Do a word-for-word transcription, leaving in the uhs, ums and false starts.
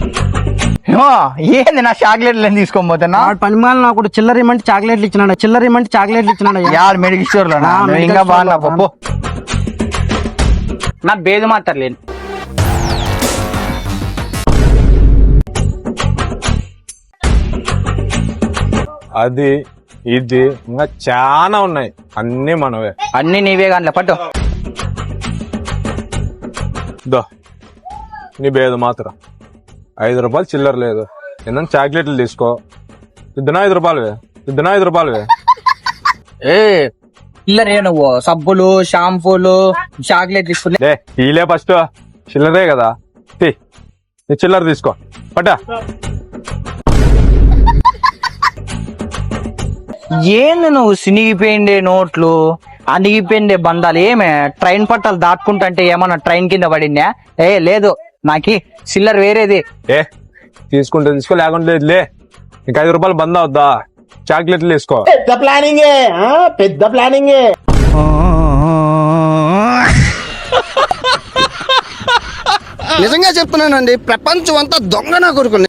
ఏంది నా చాక్లెట్లు తీసుకోని పోతున్నా? పని మాల నాకు చిల్లర ఇమ్మంటే చాక్లెట్లు ఇచ్చినాడు, చిల్లర ఇమ్మంటే చాక్లెట్లు ఇచ్చినాడు. యార్ మెడికల్ స్టోర్ లో ఇంకా బాగా పప్పు నా బేదు మాత్రలేను. అది ఇది ఇంకా చాలా ఉన్నాయి, అన్ని మనవే. అన్ని నీవే కానీ పట్టు. దో నీ బేదు మాత్రం ఐదు రూపాయలు చిల్లర లేదు, ఏంటంటే చాక్లెట్లు తీసుకో. ఇద్దరు ఐదు రూపాయలువే, ఇద్దరు ఐదు రూపాయలువే. ఏ చిల్లరే నువ్వు సబ్బులు షాంపూలు చాక్లెట్ తీసుకుని లే ఈలే ఫస్ట్ చిల్లరే కదా, తీ నీ చిల్లర తీసుకో పట్టా. ఏంది నువ్వు సినిగిపోయిండే నోట్లు అనిగిపోయిండే బంధాలు? ఏమే ట్రైన్ పట్టాలు దాటుకుంటుంటే ఏమన్నా ట్రైన్ కింద పడిందా? ఏ లేదు, నాకి చిల్లర వేరేది. ఏ తీసుకుంటే తీసుకో, లేకుంటే లేదు. లే నీకు ఐదు రూపాయలు బంద్ అవుద్దా, చాక్లెట్లు తీసుకో. పెద్ద ప్లానింగ్ పెద్ద ప్లానింగ్ నిజంగా చెప్తున్నానండి, ప్రపంచం అంతా దొంగ నా కొడుకు.